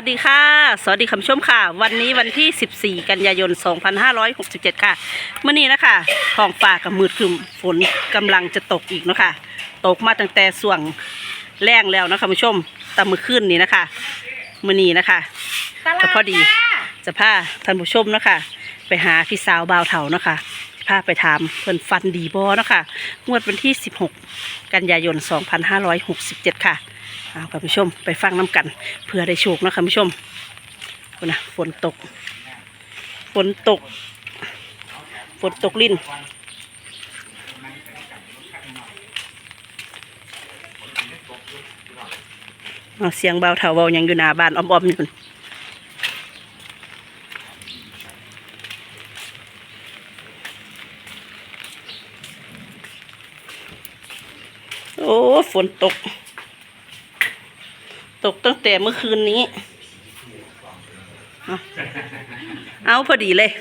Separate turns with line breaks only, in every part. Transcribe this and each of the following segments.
สวัสดีค่ะสวัสดีคุณผู้ชมค่ะวันนี้วันที่ 14 กันยายน 2567 ค่ะเมื่อนี้นะคะท้องฟ้ากับมืดครึมฝนกำลังจะตกอีกเนาะค่ะตกมาตั้งแต่ส่วงแรงแล้วนะคะคุณผู้ชมแต่มื้อคืนนี้นะคะเมื่อนี้นะคะก็พอดีจะพาท่านผู้ชมเนาะค่ะไปหาพี่สาวบ่าวเฒ่าเนาะค่ะพาไปถามเพิ่นฟันดีบ่เนาะค่ะงวดวันที่ 16 กันยายน 2567 ค่ะเอาคุณผู้ชมไปฟังน้ำกันเพื่อได้โชคนะคุณผู้ชมนะฝนตกลิ้นเสียงเบาเถาเบายังอยู่หน้าบ้านอ้อมๆอยู่โอ้ฝนตกตั้งแต่เมื่อคืนนี้เอาพอดีเลย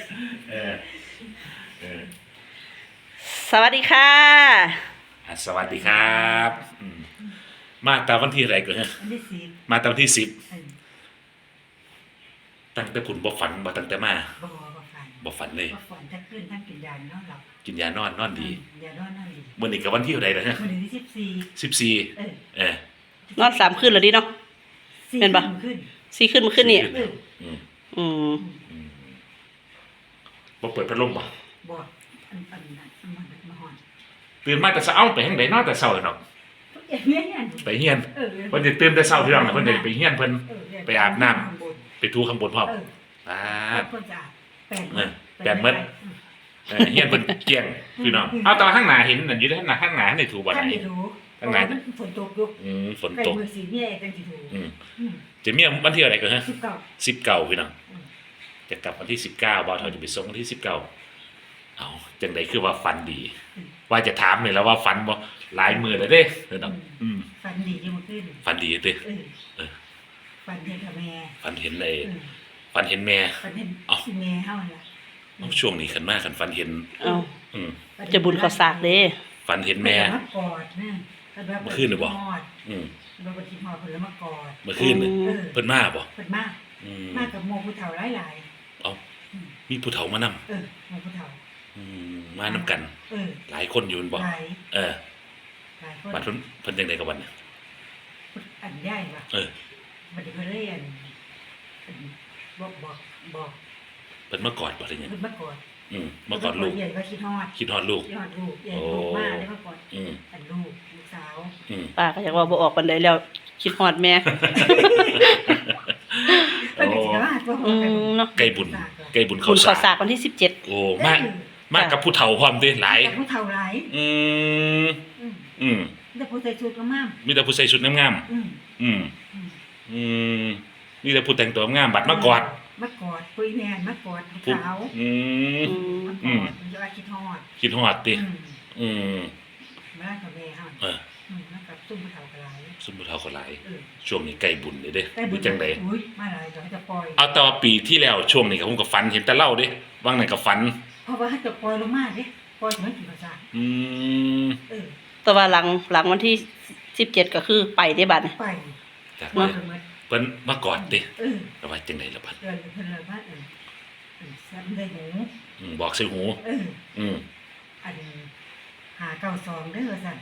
สวัสดีค่ะ
สวัสดีครับมาตามวันที่อะไรก่อนฮะมาตามวันที่10ตั้งแต่ผุนบ่ฝันบ่ตั้งแต่มาบ่ฝันเลย
บ่ฝันถ้าขึ้นท่านกินยานอนหลับ
กินยานอนดี
ยานอนดี
มื้อนี้ก็วันที่อะไรนะฮะ
มื้อนี้
14
นอน3 คืนแล้วดิเนาะเป็นปะ4 คืนเมื่อคืนนี่
บ่เปิดพัดลมบ่
บ่มันมาฮอด
ตื่นมาแต่เช้าไปทางใดนอนแต่เช้าเนาะไปเฮียนเพิ่นสิตื่นแต่เช้าพี่น้องเพิ่นได้ไปเฮียนเพิ่นไปอาบน้ำไปทูข้างบนพร้อม
เพิ่นจะ
แปลงหมดเฮียนเพิ่นเกลี้ยงพี่น้องเอาแต่ข้างหน้าเห็นนั่นอยู่ข้างหน้าได้ถูบ่ได้ข้างหน้า
ฝนตกอยู่
ฝนตก
มื้อสิมีจังสิถู
จะมีวันที่อะไรก่อนฮะ
19
พี่น้องจะกลับวันที่19บ่าวเฒ่าจะไปส่งวันที่19เอาจังได๋คือว่าฝันดีว่าจะถามเลยแล้วว่าฝันบ่หลายมื้อแล้วเด้พี่น้อง
ฝันดีอยู่เมื่อคืน
ฝันดีเด้
ฝันเห็นกับแม่
ฝันเห็นฝันเห็นแม่
ฝันเห็นแม่เฮาล่ะ
ช่วงนี้คันมาคันฝันเห็น
จะบุญข้าวสากเด้
ฝันเห็นแม่
มากอดนะ
เมื่อคืนหรือบ่
เราไปคิดฮอดเพิ่นแล้วมากอด
เมื่อคืนเพิ่นมาบ่
เพิ่นมากับโมผู้เฒ่าหลาย
ๆเอ้ามีผู้เฒ่ามานำ
โมผู้เฒ่า
มานำกันหลายคนอยู่บ่
หลาย
บัดเพิ่นจังได๋กับบัดน่ะ
อันใหญ่ว่ะบัดนี้เพิ่นเลยบอก
เพิ่นมากอดบ่ได้หยัง
เพิ่นมากอด
มากอดลูก
ใหญ่ก็คิดฮอด
ลูก
ใหญ่ลูกมาได้มากอดอันลูกสาว
ป้าก็อยากว่าบ่ออกปานใดแล้วคิดฮอดแม่
เนาะไก่บุญข้าว
สากวันที่17
โอ้มากับผู้เฒ่าพร้อมเด้หลาย
ผู้เฒ่าหลายแต่ผู้ใส่ชุดงาม
มีแต่ผู้ใส่ชุดงามมีแต่ผู้แต่งตัวงามบัดมากอด
คุยแม่มากอดสาวจะคิดฮอด
ติ
มากับแม่ฮะมากับซุ่มผู้เฒ่า
ก็หลายช่วงนี้ใกล้บุญเด้บุญจังได๋
มาหลายก็จะปล่อย
เอาแต่ว่าปีที่แล้วช่วงนี้ก็ผมก็ฝันเห็นแต่เล่าเด้บางนั้นก็ฝัน
เพราะว่าจะปล่อยลงมาเด้ปล่อยเหมือนกินข้าวสาร
แต่ว่าหลังวันที่17ก็คือไปได้บัด
ไป
เพิ่นมากอดติแล้วว่าจังได๋ล่ะบัด
เพิ่นเลยว่าซ้ำได้หู
บอกใส่หู
อัน592เด้อซั่น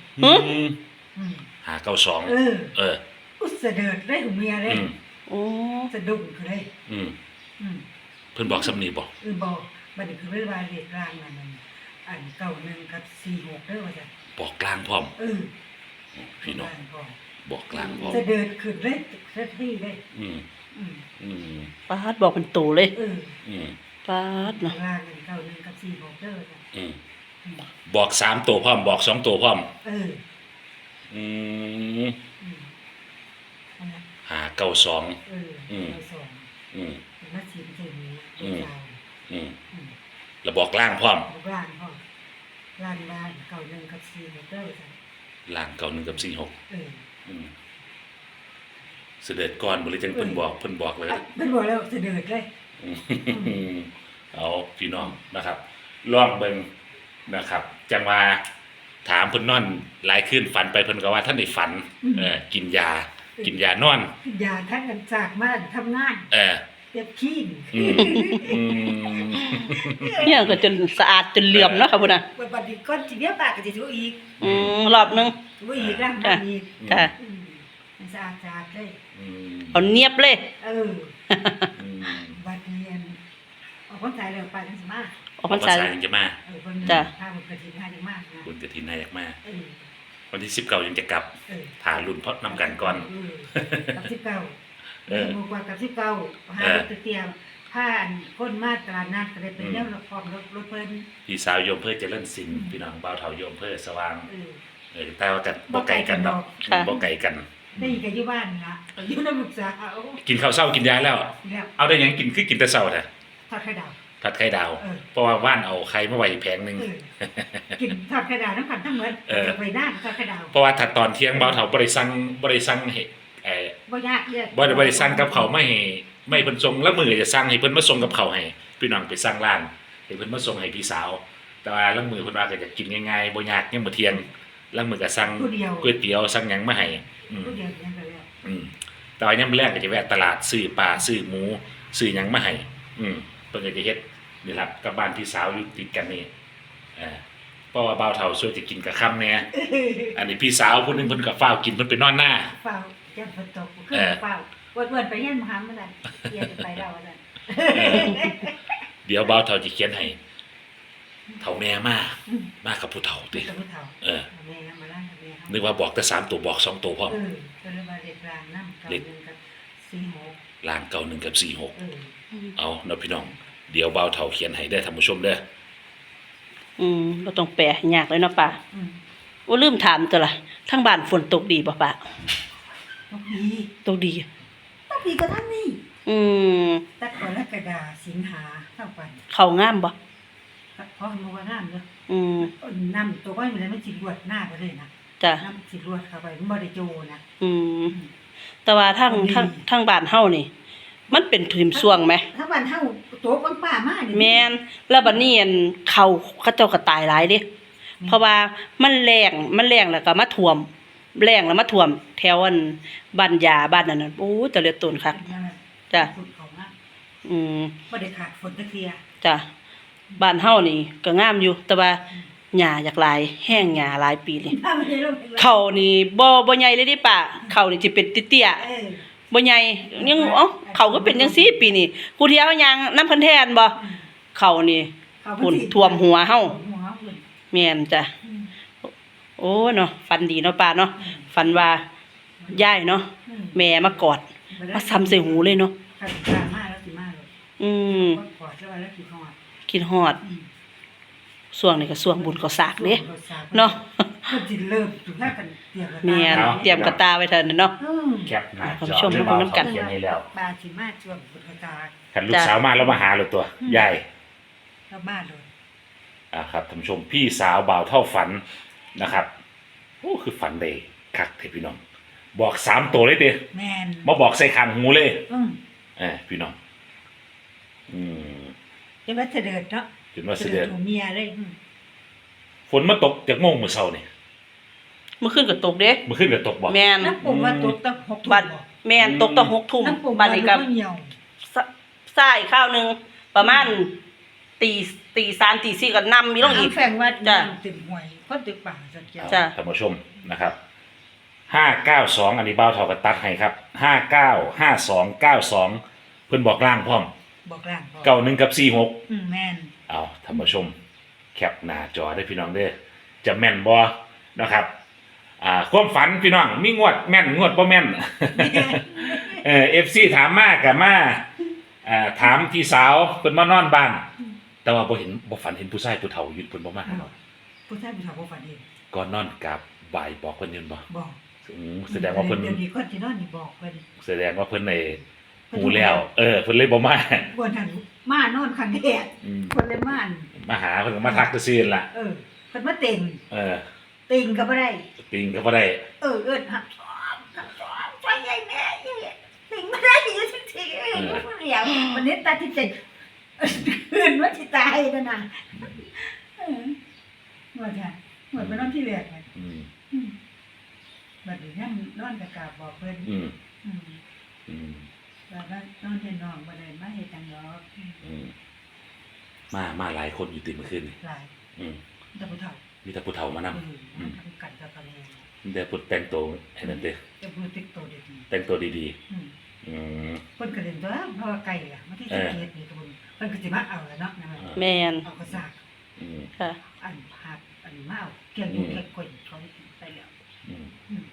592
อุสะเดิดได้หูเมียเลย
โอ้
สะดุ้งคือได้
เพิ่นบอกสำนีบ่
บอกบัดนี้คือเวลาเลขกลางนั่นอัน91กับ46เด้อว่าซั่น
บอกกลางพร้อมพี่น้องบอกกลางพร้อม
สะเดิดขึ้นเลยเซ็ตที่เลย
ป้าดบอกเป็นโตเลยป้าดเนาะ
กลาง91กับ46เด้อจ้ะ
บอก3ตัวพร้อมบอก2ตัวพร้อม592
มาชิมใส่หู
แล้วบอกล่างพร้อม
ล่าง91กับ46เด้อจ้ะ
ล่าง91กับ46เสด็จก่อนบ่เลยจังเพิ่นบอกเลย
เพิ่นบอกแล้วเสด็จเลย
เอาพี่น้องนะครับลองเบิ่งนะครับจังว่าถามเพิ่นนอนหลายคืนฝันไปเพิ่นก็ว่าท่านได้ฝันกินยากินยานอน
ยาท่านกันจากมาทำงาน
เออ
เก็บขี้น
อืมอืม
เนี่ยก็จนสะอาดจนเหลื่อมเนาะค่ะพุ่นน่ะ
บัดนี้ก้อนสิเดียวปากก็สิถูอีก
รอบนึง
ถูอีกร่างบ้านอีก
จ้ะ
มันสะอาดเลย
อืม
เอาเนียบเลย
เออ
อืม
บัดนี้ออกคนสายแล้วไปจังสิมา
ออกพรรษา
ภษจะมา
เพิ่น
จ้ะ
พาบุญกระถิ่นหาจังมากนะ
บุญกฐินนายากมา
เออ
วันที่19ยังจะกลับ
เออ
ถารุ่นเพราะนำกันก่อน
กับ19
เออ
หมู่กว่ากับ19หารถเตรียมผ้าอันคนมาตลาดนัดก็ได้เป็นแนวพร้อมรถเพิ่น
พี่สาวโยมเพื่อเจริญศิลป์พี่น้องบ่าวเฒ่าโยมเพื่อสว่าง
เออ
แต่ว่ากันบ่ไกลกันดอก
ค่ะ
บ่ไกลกัน
ได้อยู่กับอยู่บ้านนะอยู่นำลูกสาว
กินข้าวเช้ากินยาแล้ว
แล้ว
เอาได้หยังกินคือกินแต่เช้าแท้
ทอดไข่ดาว
ผัดไข่ดาว
เออ
เพราะว่าว่านเอาไข่มาไว้แผงหนึง
เออกินทอดไข่ดาวน้ำกันทั้งหมด
เออ
ไปหน้าทอดไข่ดาว
เพราะว่าถ้าตอนเที่ยงบ่าวเฒ่าบ่ได้สั่งให้
บ่ยากเด้อ
บ่ได้สั่งกับเขาวไม่เพิ่นส่งแล้วมื้อจะสั่งให้เพิ่นมาส่งกับเขาวให้พี่น้องไปสั่งร้านให้เพิ่นมาส่งให้พี่สาว แต่ว่าลางมื้อเพิ่นว่าก็จะกินง่ายๆบ่ยากยังมื้อเที่ยงลางมื้อก็สั่ง
ผู้เดียว
ก๋วยเตี๋ยวสั่งหยังมาให้อืม
ผู้เดียวยังไปแล้ว
แต่ว่ายามมื้อแรกก็จะแวะตลาดซื้อปลาซื้อหมูซื้อหยังมาให้เพิ่นก็จะเฮ็ดนี่ล่ะกับบ้านพี่สาวอยู่ติดกันนี่เพราะว่าบ่าวเฒ่าช่วยจะกินกับค่ำแน่อันนี้พี่สาวผู้หนึงเพิ่นก็ฟ้าวกินเพิ่นไปนอนหน้า
เฝ้าแก้มฝนตกขึ้นเฝ้าวนๆไปเฮียนมหามาซั่นเฮียนไปแล้วว่าซั่น
เดี๋ยวบ่าวเฒ่าจะเขียนให้เฒ่าแม่มากับผู้เฒ่าติ
กับผู้เฒ่า
เออ
แม่มาล่างกับแม่เฮา
นึกว่าบอกแต่3ตัวบอก2ตัวพร้อม
ก็เลยมาเด็กรางน้ำกับ1กับ46
ล่าง91กับ46
เออ
เอาเนาะพี่น้องเดี๋ยวบ่าวเฒ่าเขียนให้ได้อท่านผู้ชมเด้อ
บ่ต้องแปลยากเลยเนาะป้า
อืม
โอ้ลืมถามตัวละทั้งบ้านฝนตกดีบ่ป้า
ตกดี
ตกดี
ตกดีก็ทั้งนี้
อืม
ตัดกรกฎาสิงหาเข้าไป
เข้างามบ่
เพราะมันว่างามเนาะ
อืม
น้ำตัวก้อยมันเลยมันสิรวดหน้าไปเลยนะ
จ้ะ
น้ำสิรวดเข้าไปมันบ่ได้โจนะ
อืมแต่ว่าทั้งบ้านเฮานี่ มันเป็นถิ่มช่วงไหม
ถ้าบ้านเฮาโต๊ะคนป่ามานี่
แม่นแล้วบัดนี้เขาเจ้าก็ตายหลายเด้เพราะว่ามันแรงแล้วก็มาท่วมแรงแล้วมาท่วม แถวอันบ้านยาบ้านนั้นน่ะโอ้แต่เหลือต้นคัก จ้ะ
ฝนเขามา
อืม
บ่ได้ขาดฝนตะเคีย
จ้ะบ้านเฮานี่ก็งามอยู่ แต่ว่าหญ้าอยากหลายแห้งหญ้าหลายปีนี่
ถ้ามันได้ลงไป
เขานี่บ่ใหญ่เลยเดิป้าเขานี่สิเป็นเตี้ย
เออ
ๆบ่ใหญ่ยังเขาก็เป็นจังซี่ปีนี้กูเที่ยวยางน้ำเพิ่นแทนบ่เขานี่
เขา
ฝุ่นท่วมหัวเฮา
หัวฝุ่น
แม่นจ้ะ
อืม
โอ้เนาะฝันดีเนาะป้าเนาะฝันว่ายายเนาะ
อืม
แม่มากอดมาซ้ำใส่หูเลยเนาะ
ขันกลางมาแล้วสิมาเลย
อืม
ก็กอดแล้วแล้วสิฮอด
คิดฮอด
อืม
ช่วงนี้ก็ช่วงบุญก็สากเด้เนาะ
เพิ่นสิเริ่มถึงถ้ากันเตรียมกัน
แม่นเตรียมกระตาไว้เถินเนาะ
อืม
แคปหน้า
คุณ
จ
ผู้
อ
ชม
เด้อ
มา
บ่าว
เบิ่งนำกั
เฒ่าน เขียนให้แล้ว
ปลาสิมาช่วงบุญกระตา
คันลูกสาวมาแล้วมาหาเลยตัว ยาย
แล้วมาโดน
ครับท่านผู้ชมพี่สาวบ่าวเท่าฝันนะครับโอ้คือฝันได้คักเทพี่น้อง บอก3ตัวเลยเด้
แม่น
มาบอกใส่ข้างหูเลย
อืม
พี่น้องอืม
จะว่าเสด็จเนาะ
จนว่าเสด็จ
ของเมียเลยอืม
ฝนมาตกจากโมงมื้อเช้านี่
เมื่อคืนก็ตกเด้
มื้อคืนก็ตกบ่
แม่น
น้ำปุ่มว่าตุ๊ดตั้ง6 ทุ่ม
บัดแม่นตกตั้ง6 ทุ่ม
น้ำปุ่ม
บัดนี้ก็
เหี่ยว
สายข้าวหนึงประมาณตี3ตี4ก็นำมีลงอีก
แฝงว่า
จ้ะ
น้ำเต็มห่วยคนตึกป่าสักแก้ว
จ้ะ
ท่านผู้ชมนะครับ592อันนี้บ่าวเฒ่าก็ตัดให้ครับ595292เพิ่นบอกล่างพร้อม
บอกล่างบอก
91กับ46
แม่น
เอาท่านผู้ชมแคปหน้าจอได้พี่น้องเด้อจะแม่นบ่นะครับความฝันพี่น้องมีงวดแม่นงวดบ่แม่น FC ถามมากับมาถามพี่สาวเพิ่นมานอนบ้าน แต่ว่าบ่ฝันเห็นผู้ชายผู้เฒ่ายืนเพิ่นบ่มาหาเนาะ
ผู้ชายผู้สาวบ่ฝันเอง
ก่อนนอนกับบ่ายบอกเพิ่นยืนบ่
บอก
แสดงว่าเพิ่น
เดี๋ยวนี้คนที่นอนนี่บอกเพิ่น
แสดงว่าเพิ่นในหูแล้วเพิ่นเลยบ่มา
บ่ทันมานอนคันแดด
อืม
คนเลยม่าน
มาหาเพิ่นก็มาทักซื่อๆล่ะ
เพิ่นมาเต็ง
เออ
เต็งก็บ่ได้
ปิงก็บ่ได้
เอิ้นหักไปใหญ่แม่เต็งบ่ได้อยู่จังซี่ผู้เดียววันนี้ตาที่เจ็ดคืนว่าสิตายนั่นน่ะหมดจ้ะหมดไปนอนที่แรกน่ะ
อืม
บัดนี้ยังนอนกับกราบบอกเพิ่น
อืม
อืม
อืม
ว่าว่านอนเห็นน้องบ่ได้มาเฮ็ดจังดอก
อืมมาหลายคนอยู่ติดเมื่อคืนนี่
หลาย
อืม
แต่ผู้เฒ่า
มีแต่ผู้เฒ่ามานำ
มันทำกันกับกันแม่
มีแต่ผู้แต่งตัวให้นั่นเด้อ
จะพูดติ๊กโตดี
แต่งตัวดี
ๆอืม
ๆอืม
เพิ่นก็เล่นตัวเพราะว่าไก่อ่ะมาที่สิเฮ็ดนี่ก็เพิ่นก็สิมาเอาแล้วเนาะนะ
แมน
เอาก็ซาก
อืม
ค่ะ
อันหักอันมาเอาเกี่ยงอยู่เกี่ยงก้นเขาไปแล้ว
อืม
อืม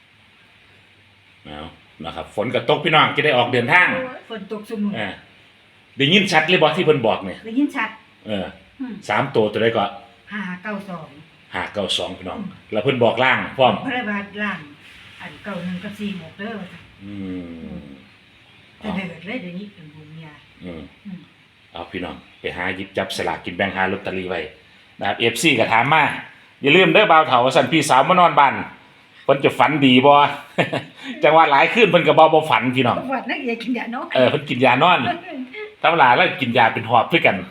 เอานะครับ ฝนก็ตกพี่น้องจะได้ออกเดินทาง
โอ้ยฝนตกซุมื้อ
ได้ยินชัดเลยบ่ที่เพิ่นบอกเนี่ย
ได้ยินชัด อืม
3ตัวตัวใดก็
592
592พี่น้อง แล้วเพิ่นบอกล่างพร้อม
พระบาทล่างอัน91กับ46เด้อว่าซั่น
อืม
แต่เดือดเลยเดี๋ยวนี้เป็นบุญเมีย
อืม
อืม
เอาพี่น้องไปหาหยิบจับสลากกินแบ่งหาลอตเตอรี่ไว้นะครับ FC ก็ถามมาอย่าลืมเด้อบ่าวเฒ่าว่าซั่นพี่สาวมานอนบ้านเพิ่นจะฝันดีบ่ จังว่าหลายคืนเพิ่นก็บ่ฝันพี่น้อง
วัดนักเอกกินยาเนาะ
เพิ่นกินยานอนธรรมดาแล้วกินยาเป็นหอบคือกัน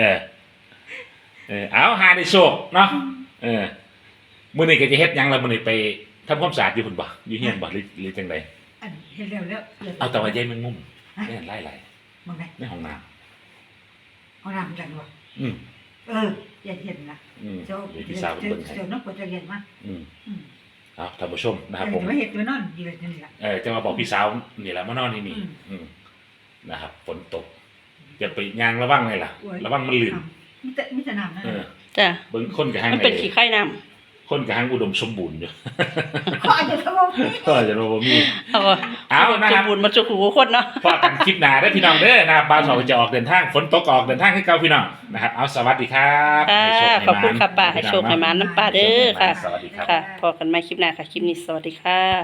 เอาหาได้โชคเนาะมื้อนี้ก็จะเฮ็ดหยังล่ะมื้อนี้ไปทำความสะอาดอยู่พุ่นบ่อยู่เฮียนบ่หรือจังได
อันเห็นแล้วแล้ว
เอาแต่ว่าใยแมงมุมแม่นหลาย
มองไง
ๆในห้องน้ำ
เอาน้ำจังวะ
อืม
อย่าเห็นนะ
อืม
เจ้า
เดี๋ยวพี่สาวเพิ่นเบิ่งให้
เจ้าน้องปวดจะเย็นมา
อืม
อืม
เอาท่านผู้ชมนะครับผม
แต่ว่าเห็ดตัวนอนยืนนี่แหละ
จะมาบอกพี่สาวนี่แหละมานอนที่นี่
อืม
อืมนะครับฝนตกอย่าไปยางระวังเลยล่ะ
โอ้ย
ระวังมันลื่น
มีแต่น้ำนะ
เออ
จ้ะ
เบิ่งคนกับหาง
มันเป็นขี้ไข่น้
คนกับหางอุดมสมบูรณ์อยู่
ขออาจจะทำว่า
ก็จะรู้ว่ามี
ำเอา
เอานะ
ส
ครั
ม
บ
บูรณ์มาจุกหูคนเนาะ
พอกันคลิปหน้าได้อพี่น้องเด้อนะครับบ้านเราจะออกเดินทางฝนตกก็ออกเดินทางให้เก่าพี่น้องนะครับเอาสวัสดีครับ
ค่ะ
ให้โชให้
ขอบคุณ
หมาน
ค่ะป้าให้โชคให้หมาน้ำป้าเด้อค่ะ
สวัสดีครับ
ค่ะ พอกันใหม่คลิปหน้าค่ะ คลิปนี้สวัสดีค่ะ